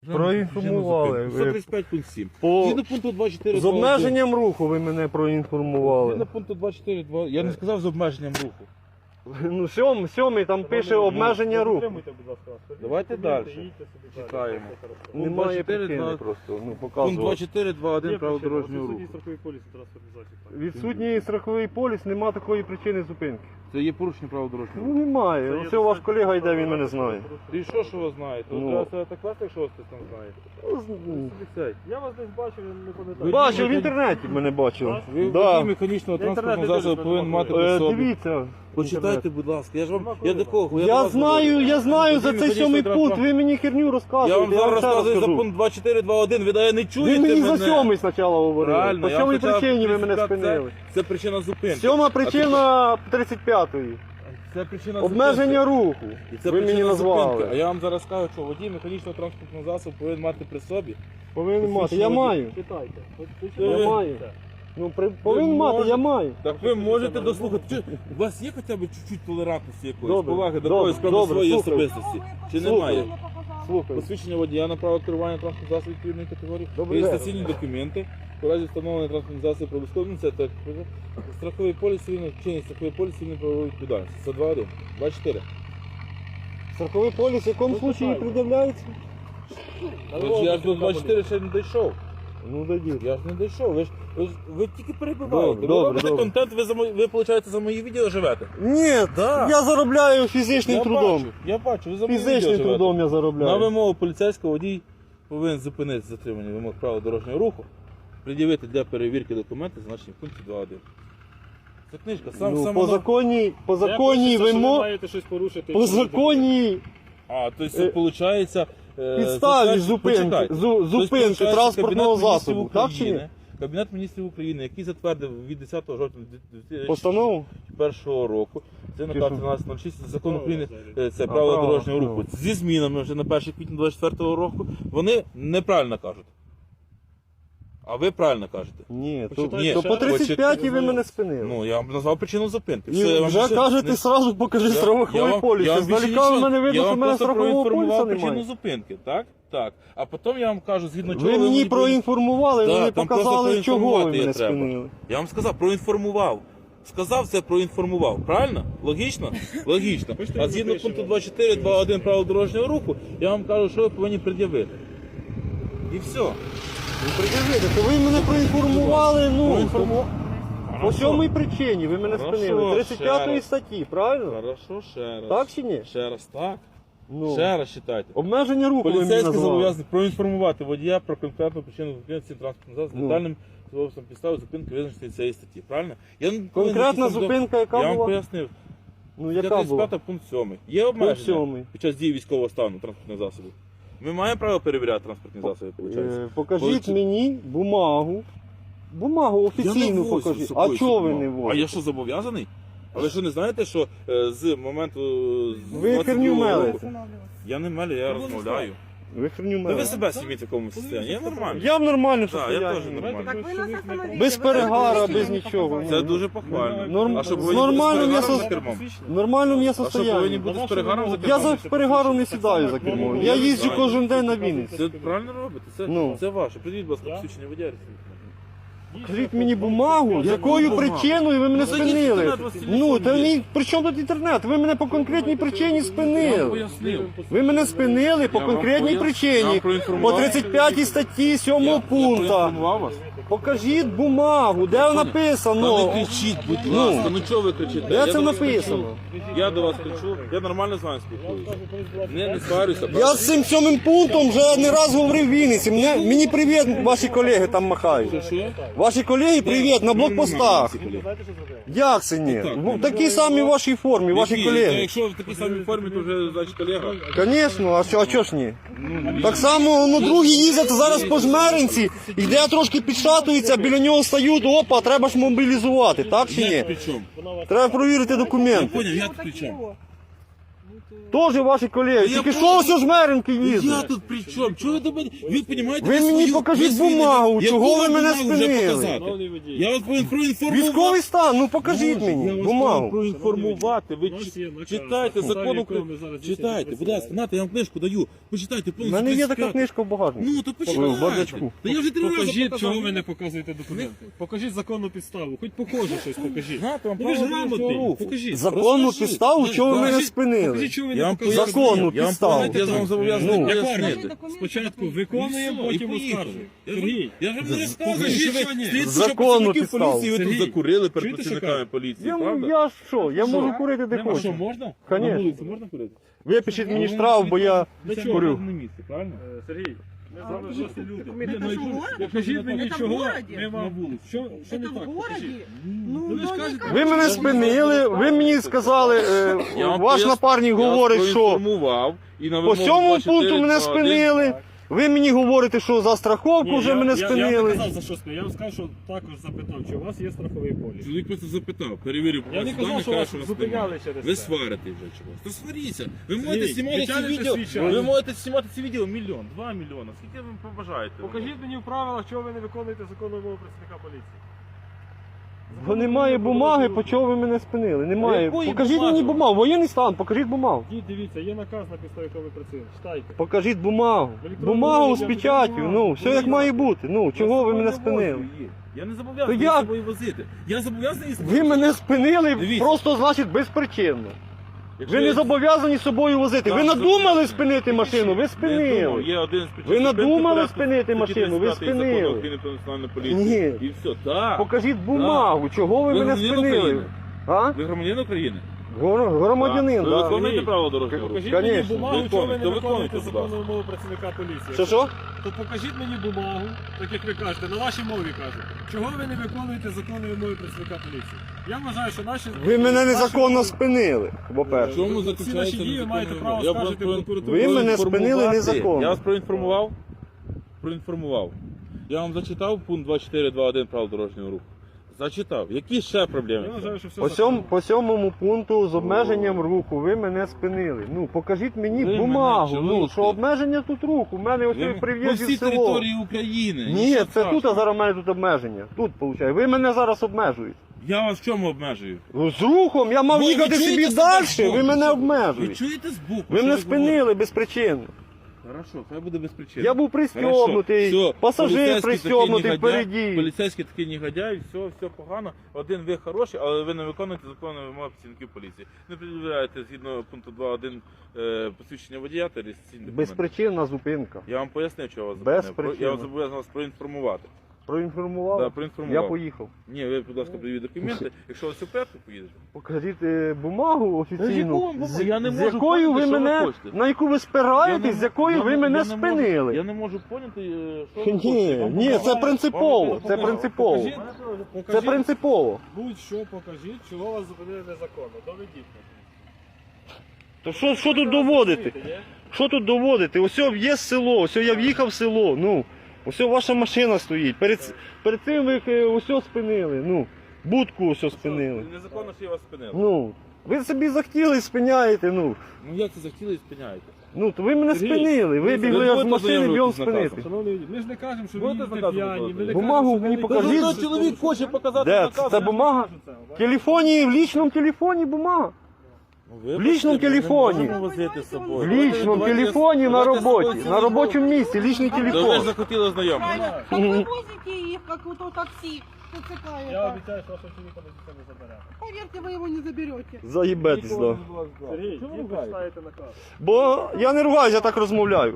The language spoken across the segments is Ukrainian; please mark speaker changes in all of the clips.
Speaker 1: Проінформували.
Speaker 2: 135 пункт 7.
Speaker 1: По...
Speaker 2: Згідно пункту 24.
Speaker 1: З обмеженням руху ви мене проінформували.
Speaker 2: Згідно пункту 24. Я не сказав з обмеженням руху.
Speaker 1: Ну, сьомий там пише обмеження руху.
Speaker 2: Давайте далі. Читаємо.
Speaker 1: Немає
Speaker 2: 24,
Speaker 1: причини
Speaker 2: 2.
Speaker 1: просто, ну,
Speaker 2: Пункт
Speaker 1: показувати.
Speaker 2: 24.2.1 правил дорожнього руху.
Speaker 1: Відсутній страховий поліс, нема такої причини зупинки.
Speaker 2: Це є порушення правил дорожнього
Speaker 1: Ну,
Speaker 2: руху.
Speaker 1: немає. Ось ваш колега йде, він мене знає.
Speaker 2: І що ви знаєте?
Speaker 1: Ну.
Speaker 2: Треба себе так вести, якщо вас хтось там знає.
Speaker 3: Я вас десь бачив, не пам'ятаю.
Speaker 1: Бачив, в інтернеті мене бачив.
Speaker 2: Ви
Speaker 1: Да.
Speaker 2: водій механічного транспортного засобу повинен мати при собі.
Speaker 1: Дивіться.
Speaker 2: Почитайте, будь ласка. Я ж вам, я до кого?
Speaker 1: Я знаю за
Speaker 2: Водій
Speaker 1: цей
Speaker 2: механічного
Speaker 1: 7-й пункт,
Speaker 2: транспортного.
Speaker 1: ви мені херню
Speaker 2: Я
Speaker 1: розказуєте.
Speaker 2: вам зараз
Speaker 1: ще раз
Speaker 2: розказую за
Speaker 1: скажу.
Speaker 2: пункт 24.2.1, ви не чуєте
Speaker 1: Ви мені
Speaker 2: мене?
Speaker 1: за 7-й спочатку говорили.
Speaker 2: Правильно,
Speaker 1: По
Speaker 2: я вам
Speaker 1: 7-й
Speaker 2: спочатку
Speaker 1: причині ви мене
Speaker 2: 35,
Speaker 1: спинили.
Speaker 2: Це причина зупинки.
Speaker 1: 7-ма причина 35-ї.
Speaker 2: Це причина
Speaker 1: Обмеження руху.
Speaker 2: І це
Speaker 1: Ви мені
Speaker 2: причина
Speaker 1: назвали.
Speaker 2: зупинки. А я вам зараз кажу, що водій механічного транспортного засобу повинен мати при собі.
Speaker 1: Повинен мати. Я маю.
Speaker 3: Читайте.
Speaker 1: Я маю. Ну, повинен мати, я маю.
Speaker 2: Так ви можете дослухати. У вас є хоча б чуть-чуть толерантності якоїсь,
Speaker 1: Добре,
Speaker 2: поваги до
Speaker 1: добре,
Speaker 2: когось, крім
Speaker 1: добре,
Speaker 2: своєї
Speaker 1: слухаю.
Speaker 2: особистості? Чи
Speaker 1: Слухаю.
Speaker 2: немає?
Speaker 1: Слухай.
Speaker 2: Посвідчення водія на право керування транспортного засобу відповідної категорії,
Speaker 1: Добрий
Speaker 2: реєстраційні документи, у разі встановлення транспортного засобу про це так, страховий поліс, вчинення страховий поліс, цивільної правової відповідальності. Це 2.1. 24.
Speaker 1: Страховий поліс в якому случаї пред'являється?
Speaker 2: Я ж до 24 ще не дійшов.
Speaker 1: Ну, дадіть.
Speaker 2: Я ж не дійшов. Ви тільки перебуваєте.
Speaker 1: Добре,
Speaker 2: Ви робите
Speaker 1: добре.
Speaker 2: контент, ви, виходить, за мої відео живете.
Speaker 1: Ні,
Speaker 2: Да.
Speaker 1: я заробляю фізичним трудом.
Speaker 2: Я бачу, ви за мої відео
Speaker 1: Фізичним
Speaker 2: живете.
Speaker 1: трудом я
Speaker 2: На
Speaker 1: заробляю.
Speaker 2: вимогу поліцейського водій повинен зупинити затримання вимог правил дорожнього руху, пред'явити для перевірки документи, зазначені в пункті 2.1. Це книжка,
Speaker 1: Ну, по законній вимог,
Speaker 3: маєте щось порушити.
Speaker 1: по законній
Speaker 2: А, тобто це виходить...
Speaker 1: підставі зупинки транспортного засобу. Так чи ні?
Speaker 2: Кабінет міністрів України, який затвердив від 10 жовтня
Speaker 1: Постанову?
Speaker 2: 2001 року, це наказ
Speaker 1: Тихо.
Speaker 2: 1306 закон України, це правила
Speaker 1: право,
Speaker 2: дорожнього
Speaker 1: право.
Speaker 2: руху. Зі змінами вже на 1 квітня 2024 року, вони неправильно кажуть. А ви правильно кажете.
Speaker 1: Ні,
Speaker 2: Ні,
Speaker 1: то по 35-й ви мене спинили.
Speaker 2: Ну, я вам назвав причину зупинки.
Speaker 1: І
Speaker 2: Все, я вам
Speaker 1: вже
Speaker 2: більше
Speaker 1: кажете,
Speaker 2: не-
Speaker 1: сразу покажи страховий поліс.
Speaker 2: я вам більше
Speaker 1: Здалека в
Speaker 2: нічого-
Speaker 1: мене видно,
Speaker 2: я
Speaker 1: що
Speaker 2: вам
Speaker 1: в мене
Speaker 2: просто
Speaker 1: страхового поліса
Speaker 2: проінформував причину
Speaker 1: немає.
Speaker 2: зупинки, так? Так. А потім я вам кажу, згідно чого
Speaker 1: Ви мені
Speaker 2: повинні-
Speaker 1: проінформували,
Speaker 2: Да,
Speaker 1: ви не
Speaker 2: там просто
Speaker 1: показали, чого ви
Speaker 2: проінформувати
Speaker 1: мене
Speaker 2: є треба.
Speaker 1: спинили.
Speaker 2: Я вам сказав, проінформував. Сказав це, проінформував. Правильно? Логічно? Логічно. А згідно пункту 24, 2.1 правил дорожнього руху, я вам кажу, що ви повинні пред'явити. І все.
Speaker 1: Ну, пред'явити, то ви мене проінформували, ну,
Speaker 2: Проінформував.
Speaker 1: по сьомій причині ви мене
Speaker 2: Хорошо,
Speaker 1: спинили.
Speaker 2: ще
Speaker 1: 35
Speaker 2: раз.
Speaker 1: статті, правильно?
Speaker 2: Хорошо, ще раз.
Speaker 1: Так чи ні?
Speaker 2: Ще раз, так.
Speaker 1: Ну,
Speaker 2: Ще раз читайте.
Speaker 1: обмеження руху ви мені
Speaker 2: Поліцейський
Speaker 1: назвали.
Speaker 2: зобов'язаний проінформувати водія про конкретну причину зупинки транспортного засобу
Speaker 1: Ну.
Speaker 2: детальним способом підстави зупинки визначеної цієї статті. Правильно? Я не повинен
Speaker 1: Конкретна
Speaker 2: якісь там
Speaker 1: зупинка, яка
Speaker 2: Я вам
Speaker 1: була?
Speaker 2: пояснив.
Speaker 1: Ну, яка була?
Speaker 2: 35 пункт 7. Є обмеження
Speaker 1: 7.
Speaker 2: під час дії військового стану транспортних засобів. Ми маємо право перевіряти транспортні засоби, виходить?
Speaker 1: Покажіть мені бумагу. Бумагу офіційну покажіть. А чого ви не
Speaker 2: А
Speaker 1: возите?
Speaker 2: я що, зобов'язаний? А ви що не знаєте, що з моменту... з
Speaker 1: Ви
Speaker 2: 22
Speaker 1: херню
Speaker 2: року-
Speaker 1: мелите.
Speaker 2: Я не мелю, я розмовляю.
Speaker 1: Ви херню
Speaker 2: Ну, ви
Speaker 1: мелите.
Speaker 2: себе зніміть в такому стані, я нормально.
Speaker 1: Я в нормальному
Speaker 2: Так, я теж
Speaker 1: состоянні.
Speaker 2: нормально.
Speaker 4: Так ви нас остановили.
Speaker 1: Без перегара, без нічого.
Speaker 2: Це дуже похвально.
Speaker 1: Норм-
Speaker 2: А щоб
Speaker 1: з
Speaker 2: ви не були з
Speaker 1: нормальним я
Speaker 2: перегаром
Speaker 1: со-
Speaker 2: за кермом?
Speaker 1: В нормальному я
Speaker 2: А щоб ви не
Speaker 1: состоянні.
Speaker 2: бути з перегаром за
Speaker 1: Я
Speaker 2: кермом?
Speaker 1: за перегаром не сідаю за кермо. Я їжджу кожен день на Вінниці.
Speaker 2: Це правильно робите,
Speaker 1: Ну.
Speaker 2: це ваше. Придіть, будь ласка, посвідчення водія.
Speaker 1: Кажіть мені бумагу, з якою
Speaker 2: бумагу?
Speaker 1: причиною ви мене
Speaker 2: Ну, зайдіть в
Speaker 1: спинили.
Speaker 2: інтернет, у вас телефон
Speaker 1: Ну, та
Speaker 2: є.
Speaker 1: ні, при чому тут інтернет? Ви мене по конкретній причині
Speaker 2: Я вам
Speaker 1: спинили.
Speaker 2: пояснив.
Speaker 1: Ви мене спинили по
Speaker 2: Я вам
Speaker 1: конкретній
Speaker 2: пояснив. Я
Speaker 1: причині.
Speaker 2: вам
Speaker 1: По
Speaker 2: проінформував.
Speaker 1: 35 статті 7
Speaker 2: Я
Speaker 1: пункта.
Speaker 2: проінформував вас.
Speaker 1: Покажіть бумагу, де
Speaker 2: Та не
Speaker 1: написано.
Speaker 2: кричіть, будь ласка, ну чого ви кричите?
Speaker 1: Де
Speaker 2: Я
Speaker 1: це
Speaker 2: до вас
Speaker 1: написано?
Speaker 2: кричу. Я до вас кричу, я нормально з вами спілкуюся. Не сварюся.
Speaker 1: Я з цим 7 пунктом вже не раз говорив в Вінниці. Мені привіт, ваші колеги там махають.
Speaker 2: Що?
Speaker 1: Ваші колеги привіт на блокпостах.
Speaker 2: Ці колеги.
Speaker 1: Як це ні?
Speaker 2: Так,
Speaker 1: В такій самій вашій формі, ваші
Speaker 2: Які?
Speaker 1: колеги.
Speaker 2: Якщо в такій самій формі, то вже, значить, колега.
Speaker 1: Звісно, а чого ж ні? Так само, ну другі їздять зараз по жмеринці, йде трошки підшатується, біля нього стають, опа, треба ж мобілізувати, так чи
Speaker 2: Я
Speaker 1: ні?
Speaker 2: при чому?
Speaker 1: Треба провірити
Speaker 2: Я
Speaker 1: документи.
Speaker 2: поняв, я при чому?
Speaker 1: Теж ваші колеги.
Speaker 2: Я
Speaker 1: Тільки що
Speaker 2: понял.
Speaker 1: ось жмеренки
Speaker 2: Я
Speaker 1: їздять.
Speaker 2: тут при чому? Чого ви до мене? Ви розумієте?
Speaker 1: Ви мені покажіть бумагу, чого ви мене спинили?
Speaker 3: Шановний водій.
Speaker 2: Я вас повинен проінформувати.
Speaker 1: Військовий стан, ну покажіть
Speaker 2: Я
Speaker 1: мені
Speaker 2: вас повинен
Speaker 1: бумагу.
Speaker 2: проінформувати. Ви
Speaker 3: У нас є наказ.
Speaker 2: читайте
Speaker 3: На
Speaker 2: закон
Speaker 3: підставі
Speaker 2: України.
Speaker 3: якого ми зараз
Speaker 2: Читайте,
Speaker 3: здійснюємо
Speaker 2: будь ласка, нате, я вам книжку даю. Почитайте
Speaker 1: У
Speaker 2: повністю.
Speaker 1: мене є така
Speaker 2: 35.
Speaker 1: книжка в багажнику.
Speaker 2: Ну, то
Speaker 1: В
Speaker 2: почитайте.
Speaker 1: бардачку.
Speaker 2: Та я вже 3 рази
Speaker 3: Покажіть,
Speaker 2: показав.
Speaker 3: чого ви не показуєте документи. Покажіть законну підставу. Хоч похоже щось покажіть.
Speaker 2: Знати вам
Speaker 3: Ну, ви ж
Speaker 2: право
Speaker 3: грамотний.
Speaker 2: дорожнього руху.
Speaker 3: Покажіть.
Speaker 1: Законну
Speaker 2: Розкажіть.
Speaker 1: підставу, чого ви мене
Speaker 2: Покажіть.
Speaker 1: спинили?
Speaker 3: Покажіть, чого ви
Speaker 2: Я
Speaker 3: не
Speaker 2: вам
Speaker 3: показуєте.
Speaker 1: Законну
Speaker 2: Я вам
Speaker 1: підставу.
Speaker 2: поясню, я вам зобов'язаний
Speaker 1: Ну.
Speaker 2: пояснити.
Speaker 3: Спочатку виконуємо, потім оскаржуємо. Сергій,
Speaker 2: Я ж вам не розказую,
Speaker 3: покажіть,
Speaker 2: що
Speaker 3: що ні.
Speaker 2: ви слідчі, що
Speaker 1: Законну
Speaker 2: працівників
Speaker 1: підставу.
Speaker 2: поліції ви тут
Speaker 3: Сергій,
Speaker 2: закурили перед
Speaker 3: чуєте, що
Speaker 2: працівниками
Speaker 3: кажуть?
Speaker 2: поліції,
Speaker 1: Я
Speaker 2: правда?
Speaker 1: що? Я можу курити де
Speaker 2: Нема, що,
Speaker 1: хочу.
Speaker 2: можна?
Speaker 1: Конечно.
Speaker 2: На вулиці можна курити?
Speaker 1: Випишіть мені штраф, бо я
Speaker 2: Для чого?
Speaker 1: курю.
Speaker 2: На місці, правильно?
Speaker 3: Сергій, ми з вами жорсткі люди.
Speaker 4: Это
Speaker 3: Ну,
Speaker 4: же
Speaker 3: і
Speaker 4: в городе?
Speaker 3: покажіть мені,
Speaker 4: Это в
Speaker 3: чого
Speaker 4: городе?
Speaker 3: ми вам вулиць. Що не
Speaker 4: Это в
Speaker 3: так?
Speaker 4: городе?
Speaker 3: Покажіть.
Speaker 4: Ну,
Speaker 3: ви ж
Speaker 4: ну,
Speaker 3: кажете,
Speaker 4: никак.
Speaker 1: Ви мене спинили, ви мені сказали,
Speaker 2: Я вам
Speaker 1: ваш
Speaker 2: пояс-
Speaker 1: напарник
Speaker 2: я
Speaker 1: говорить,
Speaker 2: вас
Speaker 1: що
Speaker 2: проінформував, і на
Speaker 1: по
Speaker 2: вимогу
Speaker 1: 7
Speaker 2: 24,
Speaker 1: пункту мене
Speaker 2: 21.
Speaker 1: спинили. Ви мені говорите, що за страховку
Speaker 3: Ні,
Speaker 1: вже мене
Speaker 3: Я не
Speaker 1: спинили.
Speaker 3: казав, за що спинили. Я вам сказав, що також запитав, чи у вас є страховий поліс.
Speaker 2: Чоловік просто запитав, перевірив.
Speaker 3: Я не
Speaker 2: вас
Speaker 3: казав,
Speaker 2: дані,
Speaker 3: що
Speaker 2: каже,
Speaker 3: вас
Speaker 2: вас
Speaker 3: зупиняли
Speaker 2: спинили.
Speaker 3: через
Speaker 2: Ви
Speaker 3: це.
Speaker 2: сварите вже чогось. То сваріться. Ви можете
Speaker 3: Ні,
Speaker 2: знімати ці
Speaker 3: тетяни
Speaker 2: відео.
Speaker 3: посвідчали.
Speaker 2: Ви можете знімати ці відео 1 мільйон, 2 мільйони. Скільки ви побажаєте?
Speaker 3: Покажіть мені в правилах, чого ви не виконуєте законну вимогу працівника поліції.
Speaker 1: Бо немає бумаги, по чого ви мене спинили. Немає.
Speaker 2: Якої
Speaker 1: Покажіть
Speaker 2: бумаги?
Speaker 1: мені бумагу. Воєнний стан, покажіть бумагу.
Speaker 3: Дивіться, є наказ, на підставі якого ви працюєте. Читайте.
Speaker 1: Покажіть бумагу.
Speaker 3: Електронну
Speaker 1: Бумагу з
Speaker 3: вигляд,
Speaker 1: печаттю.
Speaker 3: бумагу.
Speaker 1: Ну, все як має бути. Ну, чого ви мене спинили?
Speaker 2: Я не зобов'язаний
Speaker 1: То я-
Speaker 2: з собою возити. Я зобов'язаний з
Speaker 1: Ви мене спинили
Speaker 2: Дивіться.
Speaker 1: просто, значить, безпричинно.
Speaker 2: Якщо
Speaker 1: Ви не
Speaker 2: я-
Speaker 1: зобов'язані собою возити. Ви
Speaker 2: Так,
Speaker 1: надумали
Speaker 2: зобов'язаний.
Speaker 1: спинити машину, ви
Speaker 2: Не думав,
Speaker 1: спинили.
Speaker 2: Є один з причин
Speaker 1: Ви
Speaker 2: зупинки
Speaker 1: надумали
Speaker 2: порядку
Speaker 1: спинити
Speaker 2: статті
Speaker 1: машину, ви
Speaker 2: 35 Закону
Speaker 1: спинили.
Speaker 2: України про національну поліцію.
Speaker 1: Ні.
Speaker 2: І все, так.
Speaker 1: Покажіть бумагу, чого ви
Speaker 2: Ви
Speaker 1: мене
Speaker 2: громадянин
Speaker 1: спинили.
Speaker 2: України?
Speaker 1: А?
Speaker 2: Ви громадянин України?
Speaker 1: Громадянин,
Speaker 2: Ви
Speaker 1: так.
Speaker 2: виконуєте право дорожнього руху?
Speaker 3: Покажіть
Speaker 1: Конечно.
Speaker 3: мені бумагу, чого ви не
Speaker 2: Виконуйте,
Speaker 3: виконуєте
Speaker 2: будь
Speaker 3: законну вимогу працівника поліції.
Speaker 1: Що?
Speaker 3: То покажіть мені бумагу, так як ви кажете, на вашій мові кажете. Чого ви не виконуєте законну вимогу працівника поліції? Я вважаю, що наші...
Speaker 1: Ви мене
Speaker 3: наші-
Speaker 1: незаконно спинили,
Speaker 2: В
Speaker 1: по-перше.
Speaker 2: чому
Speaker 3: Всі
Speaker 2: заключається
Speaker 3: наші дії
Speaker 2: незаконна
Speaker 3: маєте
Speaker 2: вимога?
Speaker 3: право
Speaker 2: Я
Speaker 3: скаржити
Speaker 2: про-
Speaker 3: в прокуратуру.
Speaker 1: Ви мене
Speaker 2: проінформувати.
Speaker 1: спинили незаконно.
Speaker 2: Я вас проінформував? Проінформував. Я вам зачитав пункт 24.2.1 правил дорожнього руху. Зачитав. Які ще проблеми?
Speaker 3: Я вважаю, що все
Speaker 1: По 7 пункту з обмеженням руху ви мене спинили. Ну, покажіть мені
Speaker 2: Ви
Speaker 1: бумагу.
Speaker 2: мене
Speaker 1: Ну,
Speaker 2: чуєте?
Speaker 1: що обмеження тут руху. У мене ось
Speaker 2: Ви-
Speaker 1: при
Speaker 2: По
Speaker 1: в'їзді
Speaker 2: всій
Speaker 1: в село.
Speaker 2: території України.
Speaker 1: Ні,
Speaker 2: Нічого
Speaker 1: це
Speaker 2: страшного.
Speaker 1: тут, а зараз у мене тут обмеження. Тут, виходить. Ви мене зараз обмежуєте.
Speaker 2: Я вас в чому обмежую?
Speaker 1: Ну, з рухом я мав
Speaker 2: Ви
Speaker 1: їхати
Speaker 2: чуєте
Speaker 1: собі
Speaker 2: себе
Speaker 1: далі,
Speaker 2: збоку?
Speaker 1: ви мене
Speaker 2: Ви
Speaker 1: обмежуєте.
Speaker 2: чуєте збоку?
Speaker 1: Ви
Speaker 2: що
Speaker 1: мене
Speaker 2: говорите?
Speaker 1: спинили безпричинно.
Speaker 2: Хорошо, хай буде без причин.
Speaker 1: Я був пристьобнутий, пасажир пристьобнутий впереді.
Speaker 2: Поліцейський такий негодяй, все погано. Один ви хороший, але ви не виконуєте законні вимоги працівників поліції. Не пред'являєте згідно пункту 2.1 посвідчення водія та реєстраційні документи.
Speaker 1: Безпричинна зупинка.
Speaker 2: Я вам пояснив, що вас
Speaker 1: Без
Speaker 2: зупинив.
Speaker 1: причини.
Speaker 2: Я вас зобов'язаний вас проінформувати.
Speaker 1: Проінформував?
Speaker 2: Да, проінформував.
Speaker 1: Я поїхав.
Speaker 2: Ні, ви, будь ласка, приведіть документи. Якщо ви суперку поїдете.
Speaker 1: Покажіть бумагу офіційну,
Speaker 2: бумагу? Я не
Speaker 1: з
Speaker 2: можу
Speaker 1: якою ви
Speaker 2: поняти, що ви
Speaker 1: мене,
Speaker 2: хочете.
Speaker 1: на яку ви спираєтесь, з якою ви мене
Speaker 2: Я
Speaker 1: спинили.
Speaker 2: не можу поняти, що ви
Speaker 1: Ні,
Speaker 2: хочете.
Speaker 1: ні, це
Speaker 2: Вам
Speaker 1: принципово,
Speaker 2: показали,
Speaker 1: це
Speaker 2: вам
Speaker 1: принципово.
Speaker 3: Покажіть,
Speaker 1: Це
Speaker 3: покажіть,
Speaker 1: принципово.
Speaker 3: будь-що покажіть, чого вас зупинили незаконно. Доведіть.
Speaker 1: То що тут доводити?
Speaker 3: Є?
Speaker 1: Що тут доводити? Ось є село, ось я в'їхав в село, ну, ось ваша машина стоїть. Перед цим ви ось спинили, ну, будку ось спинили.
Speaker 2: Незаконно, що я вас спинив.
Speaker 1: Ну, ви собі захотіли і спиняєте, ну.
Speaker 2: Ну як це захотіли і спиняєте?
Speaker 1: Ну, то ви мене
Speaker 3: Сергій,
Speaker 1: спинили,
Speaker 3: ви
Speaker 1: вибігли
Speaker 2: будете
Speaker 1: з машини, бігом
Speaker 2: ознайомлюватись з
Speaker 1: спинити.
Speaker 2: наказом?
Speaker 3: Шановний, ми ж не кажемо, що ви
Speaker 2: Будете
Speaker 3: їздите
Speaker 2: наказом
Speaker 3: п'яні. Ми не
Speaker 2: виконувати?
Speaker 1: Бумагу
Speaker 3: кажемо, що
Speaker 1: мені
Speaker 3: ви не
Speaker 1: покажіть.
Speaker 3: кажете,
Speaker 2: Ну, чоловік хоче показати
Speaker 1: Де?
Speaker 2: наказ.
Speaker 1: Це бумага? В телефоні, в лічному телефоні бумага.
Speaker 2: Ну,
Speaker 1: В лічному телефоні. В лічному телефоні на роботі, на робочому місці, лічний
Speaker 2: То ви ж
Speaker 1: телефон.
Speaker 2: захотіли ознайомитися.
Speaker 4: Правильно. Как вы возите их, как вот то такси, ТЦК
Speaker 3: Я
Speaker 4: это.
Speaker 3: обіцяю, що вашого чоловіка ми ніхто не заберемо.
Speaker 4: Поверьте, вы его не заберете.
Speaker 1: Заїбетесь, да.
Speaker 3: Сергій,
Speaker 2: Чому
Speaker 3: ви
Speaker 2: ви
Speaker 3: прочитаєте наказ.
Speaker 1: Бо я не ругаюсь, я так розмовляю.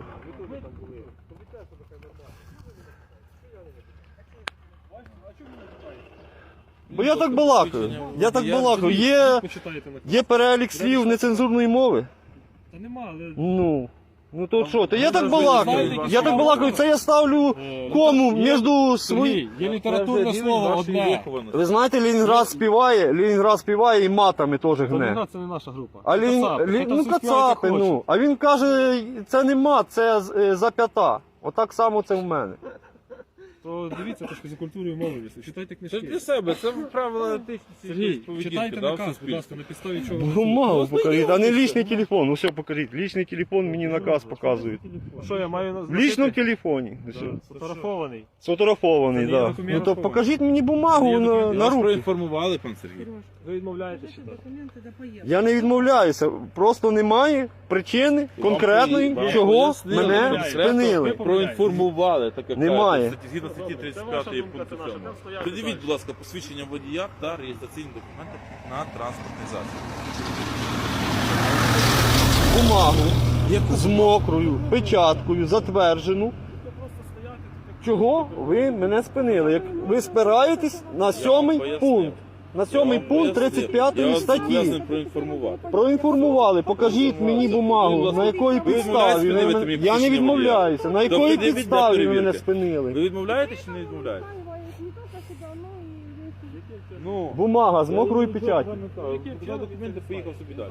Speaker 1: Бо я так балакаю. Я так балакаю.
Speaker 3: Почитаєте наказ.
Speaker 1: Є перелік слів нецензурної мови.
Speaker 3: Та нема, але...
Speaker 1: Ну то що? То я так балакаю. Я так балакаю, це я ставлю кому між свої.
Speaker 3: Є літературне слово одне.
Speaker 1: Ви знаєте, Ленінград співає і матами теж гне.
Speaker 3: Ленінград це не наша група.
Speaker 1: А ну кацапи, ну. А він каже, це не мат, це зап'ята. Отак само це в мене.
Speaker 3: Подивіться трошки за культурою мови. Читайте
Speaker 2: Це
Speaker 3: книжки.
Speaker 2: для себе, це правила етичності
Speaker 3: Сергій,
Speaker 2: поведінки,
Speaker 3: читайте
Speaker 2: да, в
Speaker 3: наказ, будь
Speaker 2: суспільстві.
Speaker 3: ласка, на підставі чого.
Speaker 1: Бумагу покажіть, а не лічний телефон. Ну все, покажіть. Лічний телефон мені наказ показують.
Speaker 3: Що я маю
Speaker 1: В лічному телефоні. Все.
Speaker 3: Фотографований.
Speaker 1: Сфотографований,
Speaker 3: Це не є
Speaker 1: так.
Speaker 3: документ.
Speaker 1: Ну то покажіть мені бумагу на
Speaker 2: Вас
Speaker 1: руки.
Speaker 2: проінформували, пан Сергій.
Speaker 3: Ви відмовляєтеся читати.
Speaker 4: Документы до поездки.
Speaker 1: Я не відмовляюся, просто немає причини конкретної,
Speaker 2: Вам
Speaker 1: чого
Speaker 2: пояснили,
Speaker 1: мене
Speaker 2: конкретно
Speaker 1: спинили.
Speaker 2: Проінформували, так як
Speaker 1: Немає.
Speaker 2: кажуть, згідно статті 35 пункту 7. Придивіть, будь ласка, посвідчення водія та реєстраційні документи на транспортний засіб.
Speaker 1: Бумагу з мокрою печаткою затверджену. Чого ви мене спинили? Як ви спираєтесь на 7 пункт. На 7 пункт 35 статті.
Speaker 2: Проінформувати.
Speaker 1: Проінформували, покажіть мені бумагу, на якої підставі. Я не відмовляюся. На якої підставі ви мене спинили?
Speaker 2: Ви відмовляєтесь чи не відмовляєтесь? Ну,
Speaker 1: Бумага з мокрою печаттю.
Speaker 2: взяв документи, поїхав собі далі.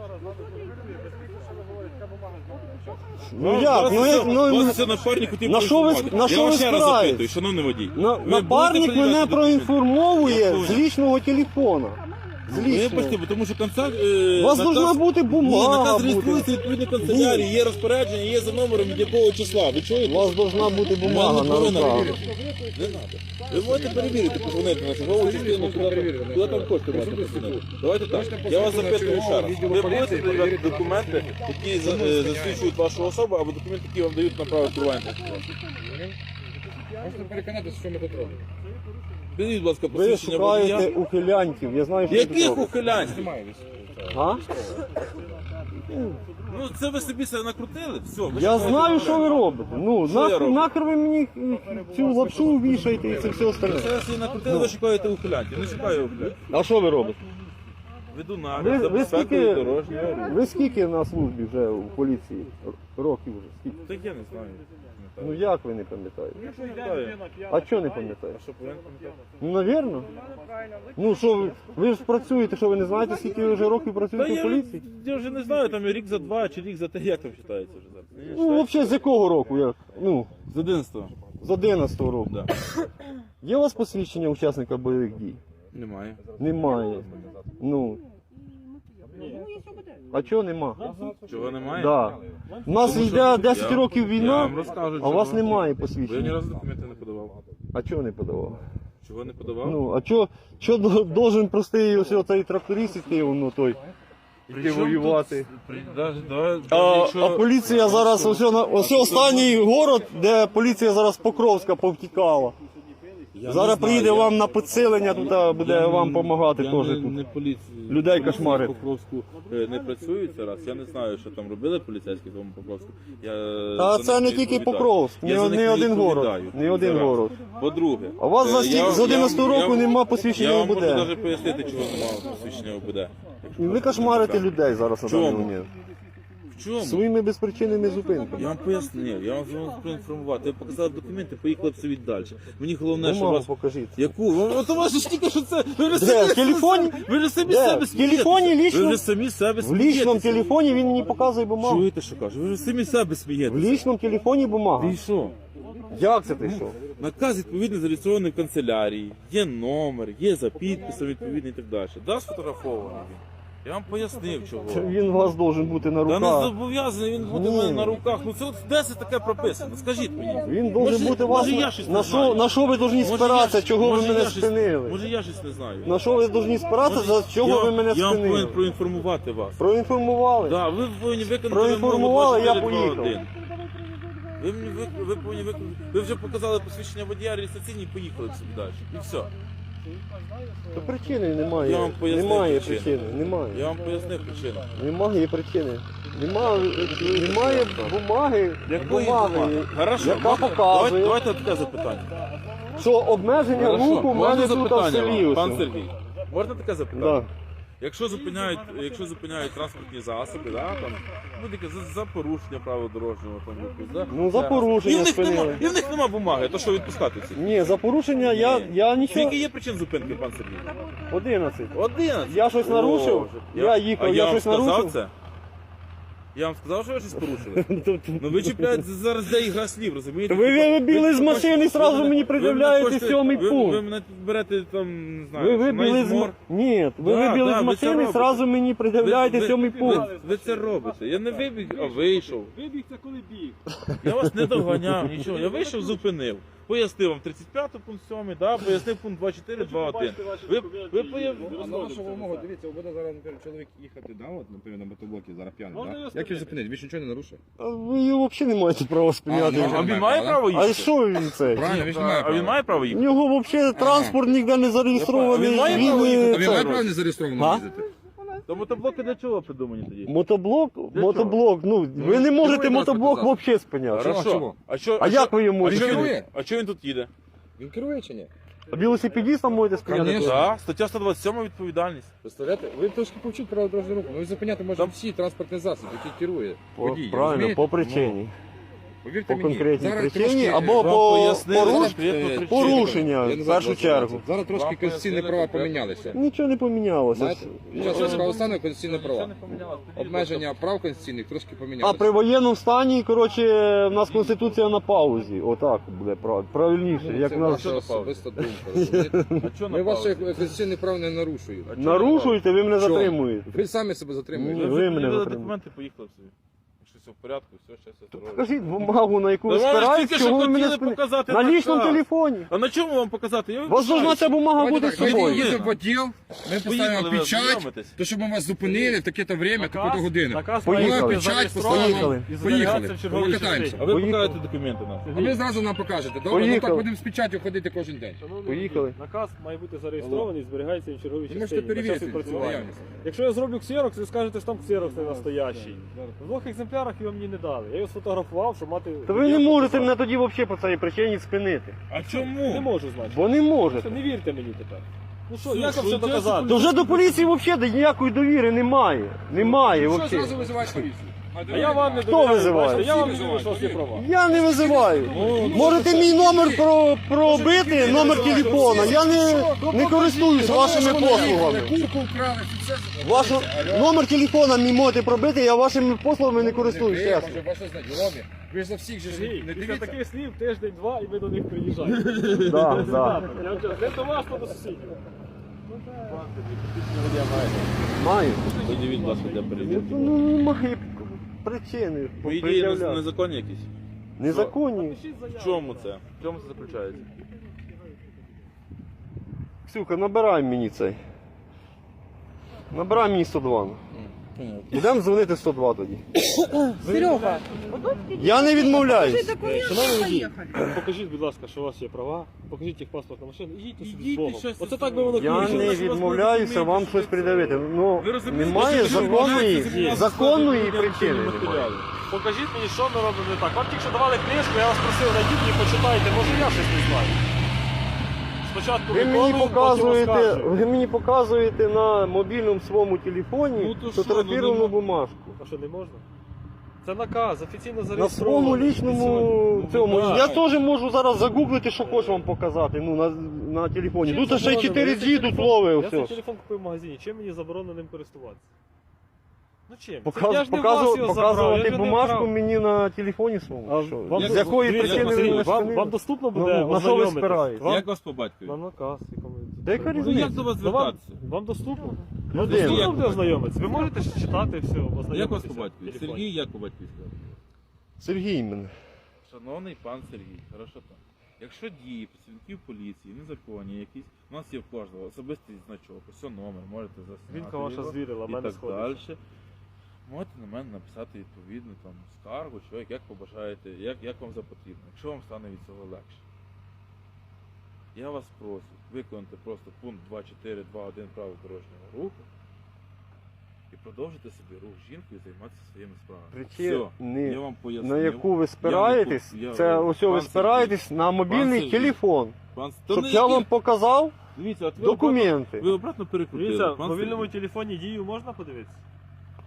Speaker 1: Ну як?
Speaker 2: Вас це напарник хотів
Speaker 1: на що ви-
Speaker 2: проінформувати.
Speaker 1: на що
Speaker 2: Я
Speaker 1: ви
Speaker 2: вас ще раз
Speaker 1: спираєтесь?
Speaker 2: запитую, шановний водій. Ви
Speaker 1: Напарник
Speaker 2: будете
Speaker 1: мене
Speaker 2: передавати
Speaker 1: проінформовує
Speaker 2: Я
Speaker 1: з
Speaker 2: понял.
Speaker 1: лічного телефона. З
Speaker 2: документи? Ну, я
Speaker 1: лічного.
Speaker 2: почти, тому що концерт...
Speaker 1: У вас должна бути бумага.
Speaker 2: Ні, наказ
Speaker 1: бути.
Speaker 2: реєструється відповідно канцелярії, є розпорядження, є за номером від якого числа. Ви
Speaker 1: У
Speaker 2: чуєте?
Speaker 1: вас должна бути бумага на руках.
Speaker 2: Не треба. Ви можете перевірити, позвонити на чергову частину, куди там хочете можете позвонити. Давайте так. Я вас запитую ще раз. Ви будете перевіряти документи, які засвідчують вашу особу, або документи, які вам дають на право керування?
Speaker 3: Можете переконатися, що ми тут робимо.
Speaker 2: Підіть, будь ласка,
Speaker 1: Ви
Speaker 2: посвідчення
Speaker 1: шукаєте
Speaker 2: водія.
Speaker 1: ухилянтів. Я знаю, що ви тут
Speaker 2: Яких
Speaker 1: робите.
Speaker 2: ухилянців?
Speaker 1: А?
Speaker 2: Ну це ви собі себе накрутили? Все, ви
Speaker 1: Я
Speaker 2: шукаєте
Speaker 1: знаю, що ви
Speaker 2: ухилянців.
Speaker 1: робите. Ну,
Speaker 2: Що я роблю?
Speaker 1: нахер ви мені цю лапшу вішаєте і це все остальне.
Speaker 2: Це ви собі накрутили, ви шукаєте ухилянців. Не шукаю ухилянців.
Speaker 1: А що ви робите?
Speaker 2: Веду
Speaker 1: Ви-
Speaker 2: нагляд за
Speaker 1: ви
Speaker 2: безпекою
Speaker 1: скільки-
Speaker 2: дорожнього руху.
Speaker 1: Ви скільки на службі вже у поліції? Років вже? Скільки?
Speaker 2: Так я не знаю.
Speaker 1: Ну як ви не пам'ятаєте?
Speaker 2: Пам'ятаю.
Speaker 1: А чого не пам'ятаєте?
Speaker 2: А що повинен пам'ятати?
Speaker 1: Ну, навірно. Ну що ви ж працюєте, що ви не знаєте, скільки ви вже років
Speaker 2: Та
Speaker 1: працюєте в поліції?
Speaker 2: я вже не знаю, там рік за 2 чи рік за 3, як там вважається вже зараз?
Speaker 1: Ну, взагалі, з якого року? Як? Ну,
Speaker 2: З 11-го.
Speaker 1: з 11-го року.
Speaker 2: Да.
Speaker 1: Є у вас посвідчення учасника бойових дій?
Speaker 2: Немає.
Speaker 1: Немає. Ну,
Speaker 4: Ну, если бы
Speaker 1: а чого нема?
Speaker 2: Чого немає?
Speaker 1: Да. У нас
Speaker 2: Тому що
Speaker 1: йде 10
Speaker 2: я-
Speaker 1: років
Speaker 2: я
Speaker 1: війна,
Speaker 2: вам розкажу,
Speaker 1: а у вас
Speaker 2: чого.
Speaker 1: немає
Speaker 2: Бо я ні
Speaker 1: посвідчення.
Speaker 2: разу документи не подавав.
Speaker 1: А чого не подавав?
Speaker 2: Чого не подавав?
Speaker 1: Ну, а чого должен простий ось цей тракторист іти, ну той, іти воювати? А поліція зараз, ось останній город, де поліція зараз Покровська повтікала. Зараз приїде вам на підсилення, тут буде вам допомагати
Speaker 2: я
Speaker 1: теж
Speaker 2: не,
Speaker 1: тут.
Speaker 2: не поліції.
Speaker 1: Людей
Speaker 2: Поліції
Speaker 1: кошмарить.
Speaker 2: в Покровську не працюють зараз. Я не знаю, що там робили поліцейські в тому Покровську. Я
Speaker 1: Та
Speaker 2: за
Speaker 1: це
Speaker 2: них
Speaker 1: не
Speaker 2: не
Speaker 1: тільки
Speaker 2: відповідаю.
Speaker 1: Покровськ,
Speaker 2: Я за
Speaker 1: не
Speaker 2: них не
Speaker 1: один город.
Speaker 2: відповідаю.
Speaker 1: Не один
Speaker 2: Зараз.
Speaker 1: город.
Speaker 2: По-друге,
Speaker 1: А у вас з 11-го року нема посвідчення
Speaker 2: Я вам
Speaker 1: ОБД.
Speaker 2: можу навіть пояснити, чого немає посвідчення ОБД.
Speaker 1: І ви кошмарите людей зараз на даний
Speaker 2: Чому?
Speaker 1: момент.
Speaker 2: В чому?
Speaker 1: Своїми безпричинними зупинками.
Speaker 2: Я вам пояснив, я вам проінформувати. Ви показали документи, поїхали б собі далі. Мені головне, що
Speaker 1: Бумагу
Speaker 2: вас...
Speaker 1: покажіть.
Speaker 2: Яку? От у вас ж тільки що це... Ви вже
Speaker 1: Де?
Speaker 2: самі
Speaker 1: В телефоні?
Speaker 2: Ви вже самі
Speaker 1: Де?
Speaker 2: себе
Speaker 1: В телефоні
Speaker 2: смієтеся.
Speaker 1: лічно?
Speaker 2: Ви вже самі себе
Speaker 1: В лічному
Speaker 2: смієтеся.
Speaker 1: телефоні він мені показує бумагу.
Speaker 2: Чуєте, що кажу? Ви вже самі себе
Speaker 1: В
Speaker 2: смієтеся.
Speaker 1: лічному телефоні бумага.
Speaker 2: І що?
Speaker 1: Як це ти що?
Speaker 2: Наказ відповідно зареєстрований в канцелярії, є номер, є за підписом відповідний і так далі. Да, сфотографований він. Я вам пояснив, чого.
Speaker 1: Він у вас должен бути на
Speaker 2: Та не
Speaker 1: руках.
Speaker 2: зобов'язаний він бути в
Speaker 1: Ні.
Speaker 2: мене на руках. Ну це от де це таке прописано? Скажіть мені.
Speaker 1: Він должен
Speaker 2: Може-
Speaker 1: бути у вас.
Speaker 2: може, я щось не
Speaker 1: На
Speaker 2: знаю.
Speaker 1: що ви повинні
Speaker 2: Може,
Speaker 1: спиратися,
Speaker 2: я-
Speaker 1: чого ви
Speaker 2: може,
Speaker 1: мене
Speaker 2: я щось-
Speaker 1: спинили?
Speaker 2: Може я щось не знаю.
Speaker 1: На що ви повинні спиратися, за чого
Speaker 2: Я-
Speaker 1: ви мене
Speaker 2: Я вам повинен
Speaker 1: спинили?
Speaker 2: проінформувати вас.
Speaker 1: Проінформували?
Speaker 2: Да, ви повинні виконати
Speaker 1: Проінформували, я
Speaker 2: вимогу 2421.
Speaker 1: поїхав.
Speaker 2: Ви повинні виконати. Ви вже показали посвідчення водія реєстраційні і поїхали собі далі. І все.
Speaker 1: То причини
Speaker 2: Я
Speaker 1: немає.
Speaker 2: вам пояснив
Speaker 1: Немає
Speaker 2: причину.
Speaker 1: причини. Немає.
Speaker 2: Я вам пояснив причину.
Speaker 1: Немає причини. Немає бумаги.
Speaker 2: Якої
Speaker 1: Бумаги,
Speaker 2: бумаги? Хорошо,
Speaker 1: яка
Speaker 2: можна-
Speaker 1: показує,
Speaker 2: Давайте таке запитання.
Speaker 1: що обмеження
Speaker 2: Хорошо,
Speaker 1: руху в
Speaker 2: можна
Speaker 1: мене тут в
Speaker 2: запитання
Speaker 1: селі.
Speaker 2: вам, пан
Speaker 1: ось.
Speaker 2: Сергій? Можна таке запитання?
Speaker 1: Да.
Speaker 2: Якщо зупиняють транспортні засоби, да, там, будь-яке за порушення правил дорожнього там руху, да?
Speaker 1: Ну, за
Speaker 2: Да.
Speaker 1: порушення спинили.
Speaker 2: І в них нема бумаги, то що відпускати всіх?
Speaker 1: Ні, за порушення я нічого.
Speaker 2: Скільки є причин зупинки, пан Сергій?
Speaker 1: 11.
Speaker 2: 11.
Speaker 1: Я щось нарушив?
Speaker 2: Боже.
Speaker 1: Я їхав,
Speaker 2: а
Speaker 1: я
Speaker 2: вам
Speaker 1: щось
Speaker 2: сказав
Speaker 1: нарушив?
Speaker 2: це? Я вам сказав, що ви щось порушили? Ну ви чіпляєте зараз де ігра слів, розумієте?
Speaker 1: Ви вибігли з машини і сразу мені пред'являєте 7-й
Speaker 2: Ви
Speaker 1: пункт.
Speaker 2: мене берете там, не знаю,
Speaker 1: Ви вибігли з
Speaker 2: мор.
Speaker 1: Ні, ви
Speaker 2: Да,
Speaker 1: вибігли
Speaker 2: да,
Speaker 1: з
Speaker 2: ви це
Speaker 1: машини і
Speaker 2: робите.
Speaker 1: зразу мені пред'являєте 7-й пункт.
Speaker 2: Ви це робите. Я не вибіг, а вийшов.
Speaker 3: Вибіг це коли біг.
Speaker 2: Я вас не доганяв, нічого. Я вийшов, зупинив. Пояснив вам 35 пункт 7, да, пояснив пункт 24, 2.1. Ви пояснили.
Speaker 5: А на вашу вимогу, дивіться, буде зараз, наприклад, чоловік їхати, да, от, наприклад, на мотоблокі, зараз п'яний,
Speaker 3: Можна
Speaker 5: да?
Speaker 3: його
Speaker 5: Як його
Speaker 3: спинити?
Speaker 5: зупинити? Він ж нічого не нарушує.
Speaker 1: А ви його взагалі не маєте права спиняти.
Speaker 5: А,
Speaker 2: А він має право
Speaker 1: А
Speaker 2: їхати?
Speaker 1: що він це?
Speaker 5: Правильно, він ж не має
Speaker 2: А
Speaker 5: права.
Speaker 2: він має право
Speaker 1: У
Speaker 2: їхати?
Speaker 1: нього взагалі транспорт ніде не зареєстрований.
Speaker 2: А він має право їхати?
Speaker 5: А він
Speaker 1: це-
Speaker 5: має право не зареєстровано
Speaker 1: А?
Speaker 5: їздити?
Speaker 2: То мотоблоки для чого придумані тоді?
Speaker 1: Мотоблок, ну ви не можете
Speaker 5: керує
Speaker 1: мотоблок
Speaker 5: транспортним
Speaker 1: взагалі спиняти.
Speaker 5: Хорошо. чого?
Speaker 1: А як ви йому
Speaker 2: А
Speaker 1: можете?
Speaker 2: чого він,
Speaker 5: керує?
Speaker 2: а чого він тут їде?
Speaker 5: Він керує чи ні?
Speaker 1: А велосипедистам можете спиняти?
Speaker 5: Конечно.
Speaker 2: Так, стаття 127 відповідальність.
Speaker 5: Представляєте? Ви трошки повчіть право дорожнього руху. Ну, ви зупиняти можете
Speaker 2: Там-
Speaker 5: всі транспортні засоби, які керує.
Speaker 1: По-
Speaker 5: Водій,
Speaker 1: Правильно,
Speaker 5: розумієте?
Speaker 1: по причині.
Speaker 5: Повірте
Speaker 1: По
Speaker 5: мені,
Speaker 1: конкретній
Speaker 5: зараз
Speaker 1: причині
Speaker 5: трошки,
Speaker 1: або
Speaker 2: вам
Speaker 1: по
Speaker 2: пояснили
Speaker 1: поруш-
Speaker 2: конкретну причину.
Speaker 1: порушення
Speaker 5: Я не
Speaker 1: в
Speaker 5: знаю,
Speaker 1: першу
Speaker 5: 20.
Speaker 1: чергу.
Speaker 5: Зараз трошки
Speaker 2: Вам
Speaker 5: конституційні
Speaker 2: пояснили
Speaker 5: права
Speaker 2: конкретно.
Speaker 5: помінялися.
Speaker 1: Нічого не помінялося.
Speaker 5: Знаєте, під час військового стану конституційні
Speaker 2: Нічого
Speaker 5: права.
Speaker 2: не помінялося.
Speaker 5: Обмеження прав конституційних трошки
Speaker 1: А
Speaker 5: помінялися.
Speaker 1: при воєнному стані, коротше, в нас конституція на паузі. Отак буде правильніше. Як
Speaker 5: Це
Speaker 1: нас
Speaker 5: ваша особиста думка, розумієте?
Speaker 2: А чого
Speaker 5: Ми
Speaker 2: на
Speaker 5: ваші
Speaker 2: паузі?
Speaker 5: конституційні права не нарушують.
Speaker 2: А чого на
Speaker 1: нарушуєте, ви мене
Speaker 5: Чого?
Speaker 1: затримуєте.
Speaker 5: Ви самі себе
Speaker 1: Ні.
Speaker 5: затримуєте.
Speaker 2: Ви
Speaker 1: Ви
Speaker 2: вже
Speaker 1: мене
Speaker 2: підняли
Speaker 1: затримали.
Speaker 2: документи, поїхали собі. Якщо все в порядку, все, щастя, здоров'я.
Speaker 1: Покажіть бумагу, на яку ви
Speaker 2: Та вам ж
Speaker 1: спираєтесь,
Speaker 2: тільки що
Speaker 1: чого ви мене
Speaker 2: хотіли
Speaker 1: спините.
Speaker 2: показати
Speaker 1: На лічному
Speaker 2: наказ.
Speaker 1: телефоні.
Speaker 2: А на чому вам показати? Я
Speaker 1: У вас должна ця бумага
Speaker 5: Давайте
Speaker 1: бути
Speaker 5: так,
Speaker 1: з
Speaker 5: ми
Speaker 1: собою.
Speaker 5: їдемо в відділ, ми поставимо
Speaker 2: Поїхали, ви
Speaker 5: печать,
Speaker 2: ознайомитесь.
Speaker 5: то щоб ми вас зупинили в таке-то время, таку-то годину.
Speaker 3: Наказ
Speaker 1: Поїхали.
Speaker 3: має бути
Speaker 5: Печать
Speaker 3: зареєстрований
Speaker 1: Поїхали.
Speaker 3: і
Speaker 5: Поїхали.
Speaker 3: зберігатися в черговій
Speaker 5: Покатаємося.
Speaker 3: частині.
Speaker 2: А ви
Speaker 1: Поїхали.
Speaker 2: покажете документи нам.
Speaker 5: А ви зразу нам покажете, добре? Ну
Speaker 1: Поїхали.
Speaker 5: так будемо з печаттю ходити кожен день.
Speaker 3: Шановний
Speaker 1: Поїхали.
Speaker 3: водій, наказ має бути зареєстрований і зберігається в черговій
Speaker 5: Ви
Speaker 3: частині.
Speaker 5: можете
Speaker 3: на час
Speaker 5: перевірити
Speaker 3: відпрацювання.
Speaker 5: наявність.
Speaker 3: Якщо я зроблю ксерокс, ви скажете, що там ксерокс не настоящий. В двох екземплярах його мені не дали. Я його сфотографував, щоб мати...
Speaker 1: То ви не можете мене тоді взагалі по цій причині спинити.
Speaker 2: А
Speaker 3: Не
Speaker 2: чому?
Speaker 3: можу, значить.
Speaker 1: Бо не можете.
Speaker 3: Не вірте мені тепер. Ну що,
Speaker 2: Що,
Speaker 3: як вам
Speaker 2: що
Speaker 3: все доказати?
Speaker 1: То вже до поліції взагалі ніякої довіри немає. Немає
Speaker 5: Що
Speaker 1: взагалі.
Speaker 5: зразу визивають поліцію?
Speaker 3: А я вам не
Speaker 1: Хто
Speaker 3: довіряю,
Speaker 1: визиває?
Speaker 3: бачите, я вам не
Speaker 5: Всі
Speaker 3: вірю, що у вас є
Speaker 5: визивають.
Speaker 3: права.
Speaker 1: Я не визиваю. Можете мій номер пробити, номер телефона. Я не користуюсь вашими послугами.
Speaker 5: Курку вкрали, це
Speaker 1: Ваш номер телефона мій можете пробити, я вашими послугами не користуюсь.
Speaker 5: ви,
Speaker 1: Чесно.
Speaker 5: може, ваші знайомі. Ви ж за всіх же ж
Speaker 3: Сергій,
Speaker 5: не
Speaker 3: після
Speaker 5: дивіться.
Speaker 3: таких слів тиждень-два і ви до них приїжджаєте.
Speaker 1: Да, да.
Speaker 3: Я вам кажу, не до вас, то до сусідів.
Speaker 1: Маю.
Speaker 2: Подивіть, будь ласка, де перевірки.
Speaker 1: Ну немає причини.
Speaker 2: По ідеї
Speaker 1: пред'являти.
Speaker 2: незаконні якісь.
Speaker 1: Незаконні.
Speaker 2: В чому це? В чому це заключається?
Speaker 1: Ксюха, набирай мені цей. Набирай мені 102. Будемо дзвонити 102 тоді.
Speaker 4: Серега,
Speaker 1: Я не відмовляюсь.
Speaker 3: Шановний водій,
Speaker 4: поїхали.
Speaker 3: покажіть, будь ласка, що у вас є права, покажіть їх паспорт на машину, ідіть собі
Speaker 2: Ідіть
Speaker 3: з Богом.
Speaker 2: і щастя
Speaker 3: Оце так би воно
Speaker 1: Я
Speaker 3: кончилось.
Speaker 1: не
Speaker 2: що у вас
Speaker 1: відмовляюся
Speaker 2: документи,
Speaker 1: вам
Speaker 2: що
Speaker 1: щось
Speaker 2: це?
Speaker 1: придавити. Ну,
Speaker 2: Ви розумієте,
Speaker 1: немає
Speaker 2: що ви
Speaker 1: законної,
Speaker 2: відмовляєтеся
Speaker 1: законної
Speaker 2: від
Speaker 1: причини.
Speaker 2: матеріалів?
Speaker 1: немає.
Speaker 3: Покажіть мені, що ми робимо не так. Вам тільки що давали книжку, я вас просив, найдіть і почитайте, може я щось не знаю. Спочатку
Speaker 1: Ви мені
Speaker 3: виконую, потім
Speaker 1: показуєте,
Speaker 3: оскаржую.
Speaker 1: ви мені показуєте на мобільному своєму телефоні
Speaker 2: Ну, то що,
Speaker 1: фотографіровану
Speaker 2: ну,
Speaker 1: бумажку.
Speaker 3: А що, не можна? Це наказ, офіційно
Speaker 1: На
Speaker 3: зареєстрований.
Speaker 1: своєму лічному цьому.
Speaker 3: так.
Speaker 1: Я теж можу зараз загуглити, що хочу вам показати. Ну, на телефоні.
Speaker 3: Чим
Speaker 1: Тут ще й
Speaker 3: заборонено?
Speaker 1: 4G
Speaker 3: Я
Speaker 1: тут
Speaker 3: телефон-
Speaker 1: ловить
Speaker 3: Я цей
Speaker 1: все.
Speaker 3: телефон купив в магазині, чим мені заборонено ним користуватися? Ну чим? Я
Speaker 1: Показувати
Speaker 3: ж не в вас його забрав, я
Speaker 1: показувати
Speaker 3: ж не
Speaker 1: бумажку
Speaker 3: вкрав.
Speaker 1: мені на телефоні своєму.
Speaker 3: А
Speaker 1: Що?
Speaker 3: вам
Speaker 1: З якої
Speaker 3: дивіться,
Speaker 1: причини ви
Speaker 3: Сергій,
Speaker 1: мене
Speaker 3: вам
Speaker 1: спинили?
Speaker 3: доступно
Speaker 1: Ну,
Speaker 3: буде
Speaker 1: на що ви
Speaker 3: ознайомитись?
Speaker 1: спираєтесь?
Speaker 3: Вам-
Speaker 2: Як вас по батькові?
Speaker 3: На наказ, якому...
Speaker 1: Та яка
Speaker 2: Ну
Speaker 1: різниця?
Speaker 2: як до вас
Speaker 3: Ну, вам,
Speaker 2: звертатися?
Speaker 3: вам доступно?
Speaker 1: Людина.
Speaker 3: Доступно
Speaker 2: Як
Speaker 3: буде
Speaker 2: ви?
Speaker 3: ознайомитися. Ви можете ж читати все, ознайомитися.
Speaker 2: Як вас по
Speaker 3: в
Speaker 2: батькові?
Speaker 3: телефоні.
Speaker 2: Сергій, як по батькові сказати?
Speaker 1: Сергій мене.
Speaker 2: Шановний пан Сергій, хорошо так. Якщо дії працівників поліції незаконні якісь, у нас є в кожного особистий значок, ось номер, можете засняти
Speaker 3: Вінка ваша
Speaker 2: його
Speaker 3: звірила, в
Speaker 2: і
Speaker 3: мене
Speaker 2: так
Speaker 3: сходиться.
Speaker 2: далі. Можете на мене написати відповідну там скаргу, що як побажаєте, як вам запотрібно, якщо вам стане від цього легше. Я вас прошу виконати просто пункт 2.4.2.1 правил дорожнього руху і продовжити собі рух з жінкою і займатися своїми справами.
Speaker 1: Причина,
Speaker 2: Все, я вам пояснив.
Speaker 1: на яку ви спираєтесь, це ось ви спираєтесь на мобільний
Speaker 2: Сергій,
Speaker 1: телефон.
Speaker 2: Пан,
Speaker 1: Щоб я вам показав
Speaker 2: Дивіться, от ви
Speaker 1: документи.
Speaker 2: Ви обратно перекрутили.
Speaker 3: Дивіться,
Speaker 2: Пан
Speaker 3: в мобільному
Speaker 2: Сергій.
Speaker 3: телефоні дію можна подивитися?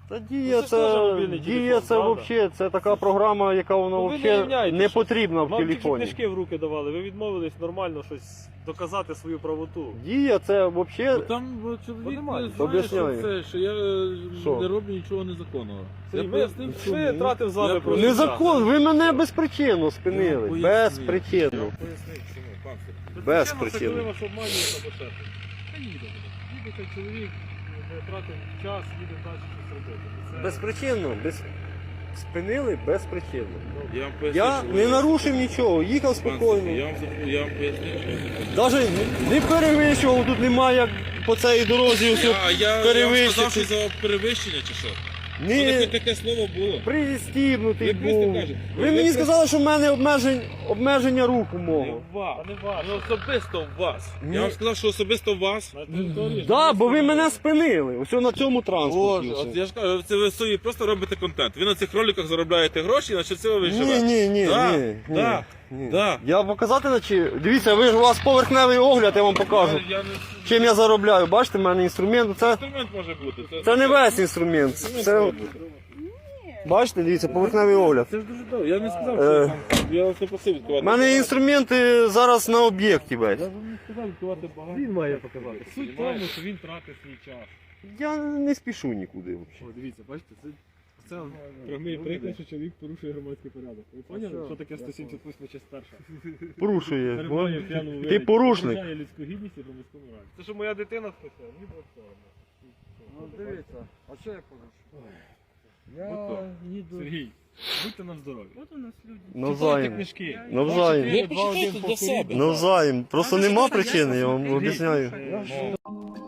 Speaker 1: Та Дія
Speaker 3: це ж теж
Speaker 1: це,
Speaker 3: мобільний
Speaker 1: Дія
Speaker 3: телефон,
Speaker 1: це
Speaker 3: правда?
Speaker 1: взагалі, це така програма, яка вона
Speaker 3: Ну, ви не
Speaker 1: взагалі
Speaker 3: являєтесь
Speaker 1: не
Speaker 3: щось.
Speaker 1: потрібна в
Speaker 3: Вам тільки
Speaker 1: телефоні.
Speaker 3: книжки в руки давали, ви відмовились нормально щось доказати свою правоту.
Speaker 1: Дія це
Speaker 2: Ну,
Speaker 1: взагалі.
Speaker 2: там чоловік
Speaker 3: Немає.
Speaker 2: знає,
Speaker 1: Об'ясняю.
Speaker 2: що я
Speaker 1: Що?
Speaker 2: не роблю нічого незаконного. Я
Speaker 3: Ми
Speaker 2: пояснив, що
Speaker 3: тратив з вами
Speaker 2: Я
Speaker 3: просто
Speaker 1: Незакон, ви мене безпричинно спинили.
Speaker 2: Я
Speaker 1: Безпричинно.
Speaker 5: Пояснив, чому, пан Сергій.
Speaker 1: Без
Speaker 3: Це
Speaker 1: причини.
Speaker 3: коли вас обманюють або ще щось. Та їде. Їде цей чоловік, не тратив час, їде далі щось робити. Це-
Speaker 1: Безпричинно. Спинили безпричинно.
Speaker 2: Я вам пояснив,
Speaker 1: Я
Speaker 2: що
Speaker 1: не
Speaker 2: ви-
Speaker 1: нарушив нічого, їхав
Speaker 2: Пан
Speaker 1: спокійно.
Speaker 2: Сергій, я вам пояснив, що
Speaker 1: Навіть не перевищував, тут немає як по цій дорозі все
Speaker 2: я вам сказав, що
Speaker 1: перевищити.
Speaker 2: за перевищення чи що? Що
Speaker 1: Ні,
Speaker 2: таке слово було?
Speaker 1: пристібнутий
Speaker 2: Ви просто
Speaker 1: був.
Speaker 2: кажете,
Speaker 1: Ви
Speaker 2: ви
Speaker 1: мені
Speaker 2: просто-
Speaker 1: сказали, що в мене обмеження руху
Speaker 2: Не
Speaker 1: мого.
Speaker 2: в вас.
Speaker 3: Та не ваше.
Speaker 2: Ну, особисто в вас.
Speaker 1: Ні.
Speaker 2: Я вам сказав, що особисто в вас.
Speaker 3: На території.
Speaker 1: Так, бо ви мене спинили. Ось на цьому транспорті.
Speaker 2: От
Speaker 1: ось.
Speaker 2: я ж кажу, це ви собі просто робите контент. Ви на цих роликах заробляєте гроші, значить це ви
Speaker 1: Ні,
Speaker 2: живете.
Speaker 1: ні,
Speaker 2: Да,
Speaker 1: ні.
Speaker 2: да,
Speaker 1: ні.
Speaker 2: да.
Speaker 1: Я показати наче. Дивіться, ви ж у вас поверхневий огляд, я вам покажу.
Speaker 2: Я не...
Speaker 1: Чим я заробляю. Бачите, в мене інструмент. Це,
Speaker 2: Інструмент може бути.
Speaker 1: це не весь інструмент.
Speaker 2: Інструмент
Speaker 1: Це,
Speaker 2: може бути.
Speaker 1: бачите, дивіться, поверхневий огляд.
Speaker 2: Це ж дуже добре. Я не сказав,
Speaker 1: Е.
Speaker 2: що там. Я вас не просив відкривати.
Speaker 1: У мене інструменти зараз на об'єкті весь.
Speaker 2: Я вам не сказав відкривати багато.
Speaker 3: Він має показати. Суть в тому, що він тратить свій час.
Speaker 1: Я не спішу нікуди взагалі.
Speaker 3: О, дивіться, бачите, це прямий приклад, що чоловік порушує громадський порядок. Ви поняли, що таке 178 часть перша?
Speaker 1: Порушує.
Speaker 3: Перебуває в п'яному
Speaker 1: Ти
Speaker 3: вигляді,
Speaker 1: порушник.
Speaker 3: порушує людську гідність і громадському раді. Це що моя дитина списала, мені було соромно.
Speaker 6: Ну дивіться, а що я порушую?
Speaker 3: Сергій, будьте нам здорові.
Speaker 4: Вот у нас люди.
Speaker 3: Читайте
Speaker 1: Навзаєм.
Speaker 3: книжки.
Speaker 1: Навзаєм.
Speaker 2: Ви почитайте для себе.
Speaker 1: Навзаєм. Просто
Speaker 4: Надо
Speaker 1: нема
Speaker 4: постоянно
Speaker 1: причини, я вам
Speaker 4: смотреть.
Speaker 1: об'ясняю.
Speaker 3: Ну,